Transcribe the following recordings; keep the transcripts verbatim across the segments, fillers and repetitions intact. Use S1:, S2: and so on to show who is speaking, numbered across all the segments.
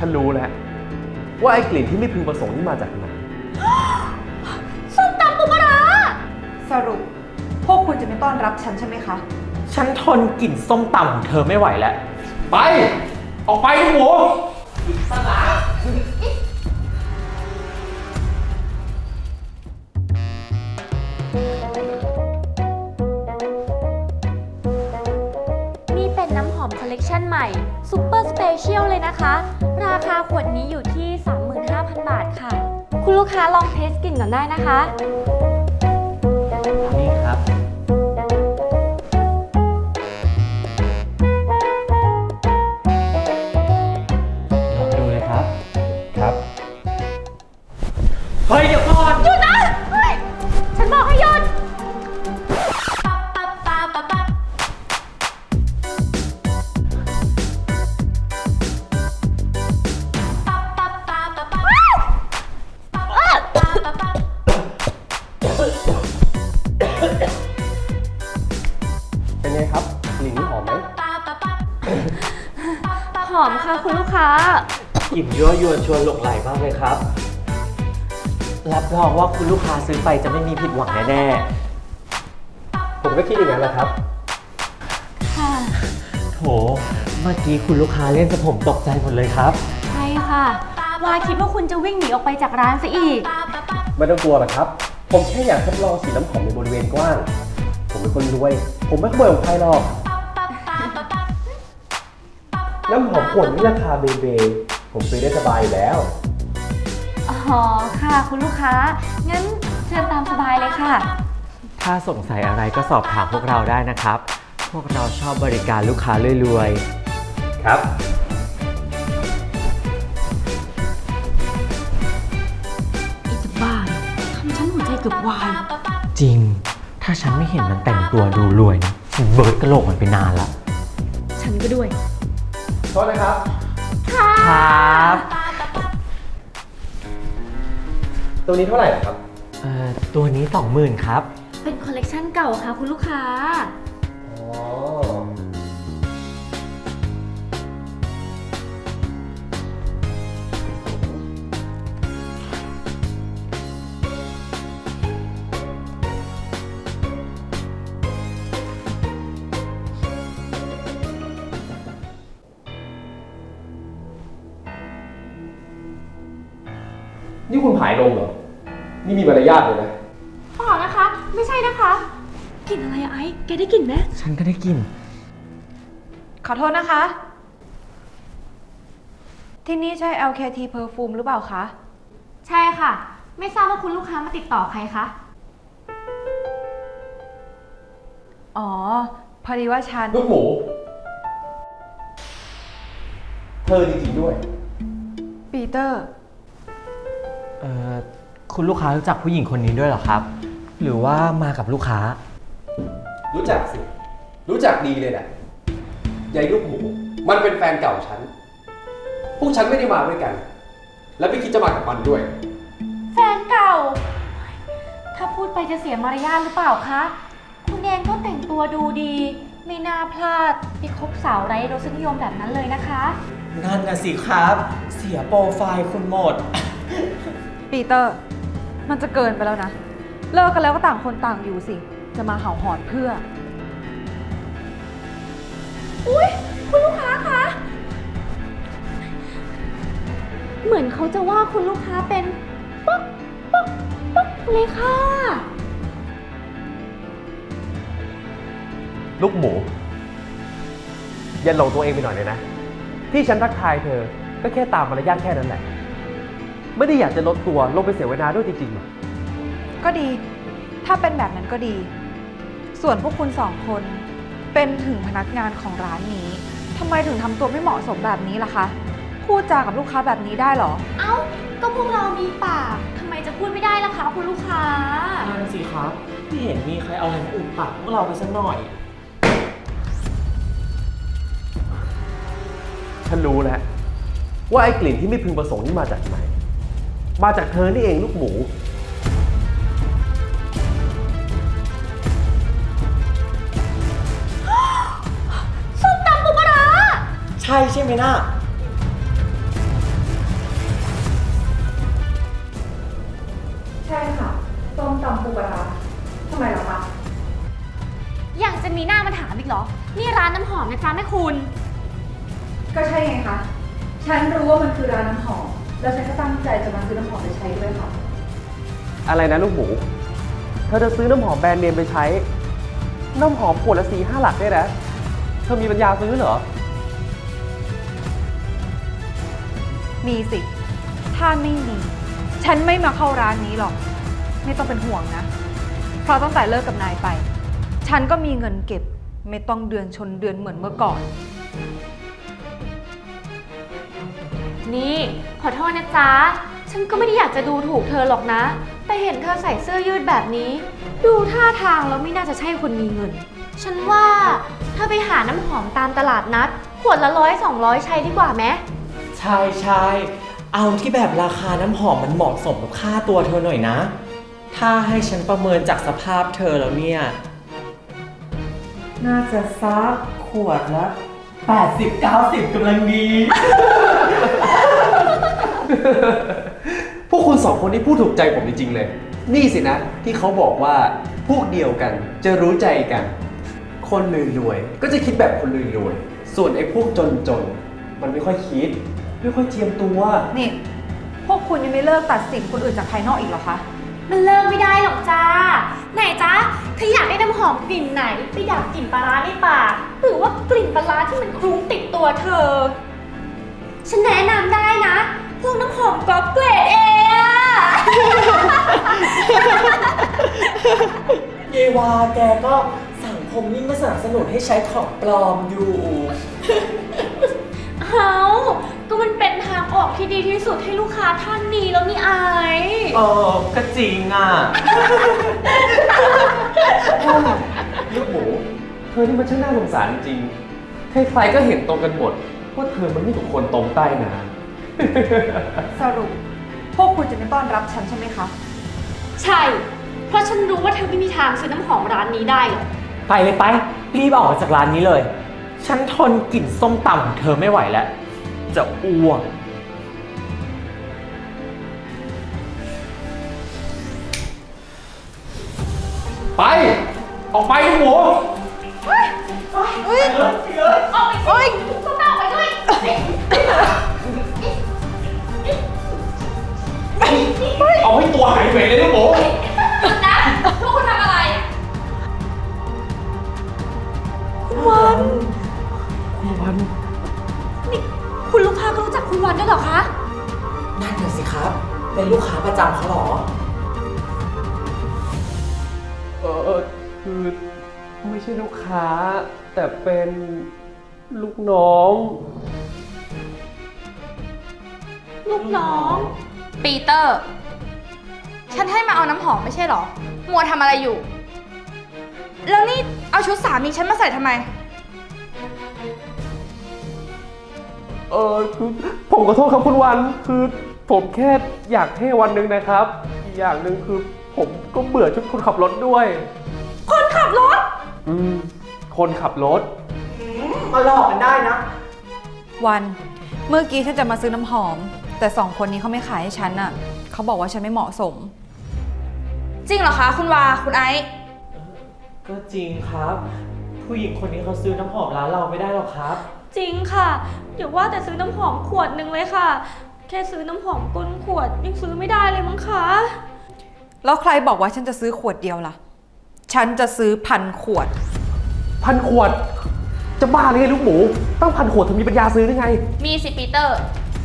S1: ฉันรู้แล้วว่าไอ้กลิ่นที่ไม่พึงประสงค์นี่มาจากไหน
S2: ส้มตำปูปลาร้า
S3: สรุปพวกคุณจะไม่ต้อนรับฉันใช่ไหมคะ
S4: ฉันทนกลิ่นส้มตำของเธอไม่ไหวแล้ว
S1: ไป ออกไปลูกหมูสลา
S2: นี่เป็นน้ำหอมคอลเลกชันใหม่ซูเปอร์สเปเชียลเลยนะคะ ราคาขวดนี้อยู่ที่ สามหมื่นห้าพัน บาทค่ะ คุณลูกค้าลองเทสกลิ่นก่อนได้นะคะ
S4: นี่ครับ ลองดูเลยครับ ครับ เฮ้ย เดี๋ยวก่อน
S2: หยุดนะเฮ้ยฉันบอกให้หยุด
S1: เป็นไงครับกลิ่นนี้หอมไหม
S2: หอมค่ะคุณลูกค้า
S4: กลิ่นยั่วยวนชวนหลงไหลมากเลยครับ รับรองว่าคุณลูกค้าซื้อไปจะไม่มีผิดหวังแน่
S1: ผมก็คิดอย่างนั้นแหละครับ
S2: ค่ะ
S4: ๆ โถ เมื่อกี้คุณลูกค้าเล่นสะผมตกใจหมดเลยครับ
S2: ใช่ค่ะวาคิดว่าคุณจะวิ่งหนีออกไปจากร้านซะอีก
S1: ไม่ต้องกลัวหรอกครับ ผมแค่อยากทดลองสีน้ำหอมในบริเวณกว้าง ผมเป็นคนรวย ผมไม่ขโมยของใครหรอก น้ำหอมขวดนี้ราคาเบเบ ผมซื้อได้สบายอยู่แล้ว
S2: อ๋อ ค่ะคุณลูกค้า งั้นเชิญตามสบายเลยค่ะ
S4: ถ้าสงสัยอะไรก็สอบถามพวกเราได้นะครับ พวกเราชอบบริการลูกค้ารวย
S1: ครับ
S2: ไอ้จะบ้าทำฉันหัวใจเกือบวาย
S4: ๆ จริง ถ้าฉันไม่เห็นมันแต่งตัวดูรวยนะฉันเบิร์ดกระโหลกมันไปนานละ
S2: ฉันก็ด้วย
S1: โทษนะครับ
S2: ค่ะ
S4: ครับ
S1: ตัวนี้เท่าไหร่ครับ
S4: เอ่อ ตัวนี้สองหมื่นครับ
S2: เป็นคอลเลกชันเก่าค่ะคุณลูกค้า
S1: อ๋อ นี่คุณผายลงเหรอ นี่มีมารยาทเลยนะ
S2: เปล่านะคะ ไม่ใช่นะคะ กลิ่นอะไรอะไอ้ แกได้กลิ่นไหม
S4: ฉันก็ได้กลิ่น
S3: ขอโทษนะคะ ที่นี่ใช่ แอล เค ที Perfume หรือเปล่าคะ
S2: ใช่ค่ะ ไม่ทราบว่าคุณลูกค้ามาติดต่อใครคะ
S3: อ๋อ พอดีว่าฉัน
S1: ลูกหมู เธอจริงๆด้วย
S3: ปีเตอร์
S4: เอ่อ คุณลูกค้ารู้จักผู้หญิงคนนี้ด้วยเหรอครับ หรือว่ามากับลูกค้า
S1: รู้จักสิ รู้จักดีเลยแหละยายลูกหมู มันเป็นแฟนเก่าฉัน พวกฉันไม่ได้มาด้วยกัน และไม่คิดจะมากับมันด้วย
S2: แฟนเก่า ถ้าพูดไปจะเสียมารยาทหรือเปล่าคะ คุณเองก็แต่งตัวดูดี ไม่น่าพลาดไปคบสาวไร้รสนิยมแบบนั้นเลยนะคะ
S4: นั่นน่ะสิครับ เสียโปรไฟล์คุณหมด
S3: ปีเตอร์ มันจะเกินไปแล้วนะ เลิกกันแล้วก็ต่างคนต่างอยู่สิ จะมาเห่าหอนเพื่อ
S2: อุ๊ย คุณลูกค้าคะ เหมือนเขาจะว่าคุณลูกค้าเป็นป๊อกป๊อกป๊อกเลยค่ะ
S1: ลูกหมู อย่าหลงตัวเองไปหน่อยเลยนะ ที่ฉันทักทายเธอ ก็แค่ตามมารยาทแค่นั้นแหละ ไม่ได้อยากจะลดตัวลงไปเสียเวลาด้วยจริงๆหรอก
S3: ก็ดี ถ้าเป็นแบบนั้นก็ดี ส่วนพวกคุณสองคน เป็นถึงพนักงานของร้านนี้ ทำไมถึงทำตัวไม่เหมาะสมแบบนี้ล่ะคะ พูดจากับลูกค้าแบบนี้ได้เหรอ
S2: เอ้า ก็พวกเรามีปากทำไมจะพูดไม่ได้ล่ะคะคุณลูกค้า
S4: นั่นสิครับไม่เห็นมีใครเอาอะไรมาอุดปากพวกเราไปสักหน่อย
S1: ฉันรู้แล้วว่าไอ้กลิ่นที่ไม่พึงประสงค์นี่มาจากไหน มาจากเธอนี่เองลูกหมู
S2: ส้มตำปูปลาร้า
S4: ใช่ใช่ไหมน่ะ
S2: เหรอ นี่ร้านน้ำหอมนะจ๊ะแม่คุณ
S3: ก็ใช่ไงคะ ฉันรู้ว่ามันคือร้านน้ำหอม แล้วฉันก็ตั้งใจจะมาซื้อน้ำหอมไปใช้ด้วยค่ะ
S1: อะไรนะลูกหมู เธอจะซื้อน้ำหอมแบรนด์เนมไปใช้ น้ำหอมขวดละสี่ห้าหลักได้นะ เธอมีปัญญาซื้อเหรอ
S3: มีสิ ถ้าไม่มี ฉันไม่มาเข้าร้านนี้หรอก ไม่ต้องเป็นห่วงนะ เพราะตั้งแต่เลิกกับนายไป ฉันก็มีเงินเก็บ ไม่ต้องเดือนชนเดือนเหมือนเมื่อก่อน
S2: นี่ขอโทษนะจ๊ะ ฉันก็ไม่ได้อยากจะดูถูกเธอหรอกนะ แต่เห็นเธอใส่เสื้อยืดแบบนี้ ดูท่าทางแล้วไม่น่าจะใช่คนมีเงิน ฉันว่าเธอไปหาน้ำหอมตามตลาดนัด ขวดละร้อยสองร้อยใช้ดีกว่าไหม
S4: ใช่ใช่เอาที่แบบราคาน้ำหอมมันเหมาะสมกับค่าตัวเธอหน่อยนะ ถ้าให้ฉันประเมินจากสภาพเธอแล้วเนี่ย น่าจะซักขวดละแปดสิบ เก้าสิบกำลังดี
S1: พวกคุณสองคนนี่พูดถูกใจผมจริงๆเลย นี่สินะที่เขาบอกว่าพวกเดียวกันจะรู้ใจกัน คนรวยๆก็จะคิดแบบคนรวยๆส่วนไอ้พวกจนๆมันไม่ค่อยคิด ไม่ค่อยเจียมตัว
S3: นี่ พวกคุณยังไม่เลิกตัดสินคนอื่นจากภายนอกอีกเหรอคะ
S2: มันเลิกไม่ได้หรอกจ้า ไหนจ๊ะเธออยากได้น้ำหอมกลิ่นไหนไปดับกลิ่นปลาร้าในปากหรือว่ากลิ่นปลาร้าที่มันคลุ้งติดตัวเธอ ฉันแนะนำได้นะ พวกน้ำหอมก๊อปเกรดเออะ
S4: เยวาแกก็สังคมยิ่งมาสนับสนุนให้ใช้ของปลอมอยู่
S2: เอาก็มันเป็นทางออกที่ดีที่สุดให้ลูกค้าท่านนี้แล้วนี่ไอาย
S4: เออก็จริงอ่ะ
S1: ลูกหมู เธอนี่มันช่างน่าสงสารจริงๆใครๆก็เห็นตรงกันหมดว่าเธอมันไม่ถูกคนตรงใต้น้ำ
S3: สรุป พวกคุณจะไม่ต้อนรับฉันใช่ไหมคะ
S2: ใช่ เพราะฉันรู้ว่าเธอไม่มีทางซื้อน้ำหอมร้านนี้ได้หรอก
S4: ไปเลยไปรีบออกจากร้านนี้เลย ฉันทนกลิ่นส้มตำของเธอไม่ไหวแล้ว จะอ้วก
S1: ไป ออกไปลูกหมู
S2: ออกไปสิต้องออกไปด้วย
S1: เอาให้ตัวหายเหม็นเลยลูกหมู
S2: หยุดนะพวกคุณทำอะไร คุณวัน
S1: คุณวัน
S2: นี่คุณลูกค้าก็รู้จักคุณวันด้วยเหรอคะ
S4: นั่นน่ะสิครับ เป็นลูกค้าประจำเขาเหรอ
S1: เออคือไม่ใช่ลูกค้า แต่เป็นลูกน้อง
S2: ลูกน้อง
S5: ปีเตอร์ ฉันให้มาเอาน้ำหอมไม่ใช่เหรอ มัวทำอะไรอยู่ แล้วนี่เอาชุดสามีฉันมาใส่ทำไม
S1: เออคือผมขอโทษครับคุณวัน คือผมแค่อยากเท่วันหนึ่งนะครับ อีกอย่างหนึ่งคือผมก็เบื่อชุดคนขับรถด้วย
S2: คนขับรถ
S1: อืม คนขับรถ
S4: มาหลอกกันได้นะ
S3: วัน เมื่อกี้ฉันจะมาซื้อน้ำหอม แต่สองคนนี้เขาไม่ขายให้ฉันน่ะ เขาบอกว่าฉันไม่เหมาะสม
S5: จริงเหรอคะ คุณวา คุณไอซ์
S4: ก็จริงครับ ผู้หญิงคนนี้เขาซื้อน้ำหอมร้านเราไม่ได้หรอกครับ
S2: จริงค่ะอย่าว่าแต่ซื้อน้ำหอมขวดหนึ่งเลยค่ะ แค่ซื้อน้ำหอมก้นขวดยังซื้อไม่ได้เลยมั้งคะ
S3: แล้วใครบอกว่าฉันจะซื้อขวดเดียวล่ะ ฉันจะซื้อพันขวด
S1: พันขวด จะบ้าเลยไงลูกหมู ตั้งพันขวดเธอมีปัญญาซื้อได้ไง
S5: มีสิปีเตอร์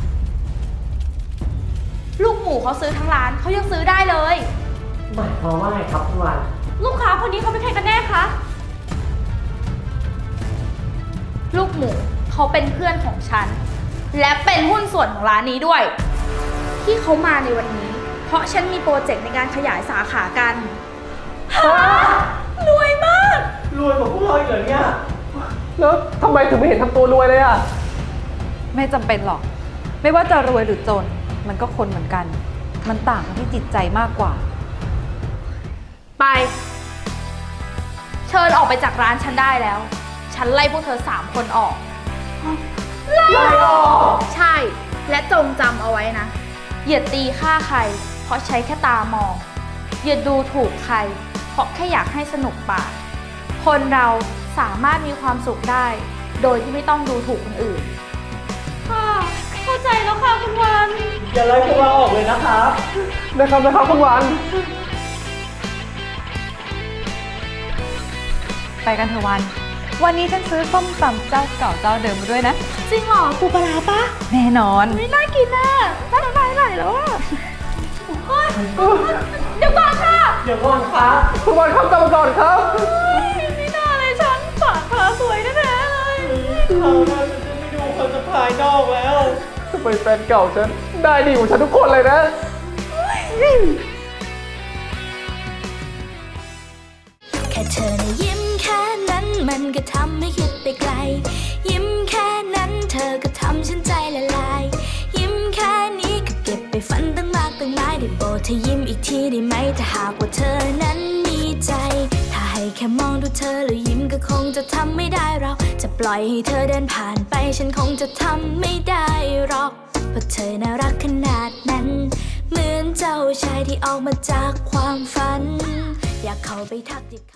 S5: ลูกหมูเขาซื้อทั้งร้านเขายังซื้อได้เลย
S4: หมายความว่าไงครับคุณวัน
S2: ลูกค้าคนนี้เขาเป็นใครกันแน่คะ
S5: ลูกหมูเขาเป็นเพื่อนของฉัน และเป็นหุ้นส่วนของร้านนี้ด้วย ที่เขามาในวันนี้ เพราะฉันมีโปรเจกต์ในการขยายสาขากัน
S2: รวยมาก
S4: รวยกว่าพวกเราอีกเหรอเนี่ย
S1: แล้วทำไมถึงไม่เห็นทำตัวรวยเลยอ่ะ
S3: ไม่จำเป็นหรอก ไม่ว่าจะรวยหรือจน มันก็คนเหมือนกัน มันต่างกันที่จิตใจมากกว่า
S5: ไป เชิญออกไปจากร้านฉันได้แล้ว ฉันไล่พวกเธอสามคนออก ไล่ออก ใช่ และจงจำเอาไว้นะ อย่าตีค่าใคร เพราะใช้แค่ตามอง อย่าดูถูกใคร เพราะแค่อยากให้สนุกปาก คนเราสามารถมีความสุขได้ โดยที่ไม่ต้องดูถูกคนอื่น
S2: ค่ะ เข้าใจแล้วค่ะคุณวัน
S4: อย่าไล่พวกเราออกเลยนะครับ
S1: นะครับนะครับคุณวัน
S3: ไปกันเถอะวัน วันนี้ฉันซื้อส้มตำเจ้าเก่าเจ้าเดิมมาด้วยนะ
S5: จริงเหรอปูปลาร้าปะ
S3: แน่นอน
S5: ไม่น่ากินน่ะน่าน้ำลายไหลแล้วอ่ะเฮ้ยเดี๋ยวก่อนค่ะ
S4: เดี๋ยวก่อนครับ
S1: คุณวันครับกลับมาก่อนครับ
S5: ไม่น่าเลยฉันฝากพาสวยแน่ๆเลย
S4: เขาน่าจะไม่ดูคนจะภายนอกแล้ว
S1: ทำไมแฟนเก่าฉันได้ดีกว่าฉันทุกคนเลยนะ
S6: แค่เธอนะยิ้มแค่นั้นมันก็ทำให้คิดไปไกล ยิ้มแค่นั้นเธอก็ทำฉันใจละลาย ยิ้มแค่นี้ก็เก็บไปฝันตั้งมากตั้งหลายได้โปรดเธอยิ้มอีกทีได้ไหมถ้าหากว่าเธอนั้นมีใจ ถ้าให้แค่มองดูเธอแล้วยิ้มก็คงจะทำไม่ได้เราจะปล่อยให้เธอเดินผ่านไปฉันคงจะทำไม่ได้หรอกเพราะเธอน่ารักขนาดนั้น เหมือนเจ้าชายที่ออกมาจากความฝัน อยากเข้าไปทักทิ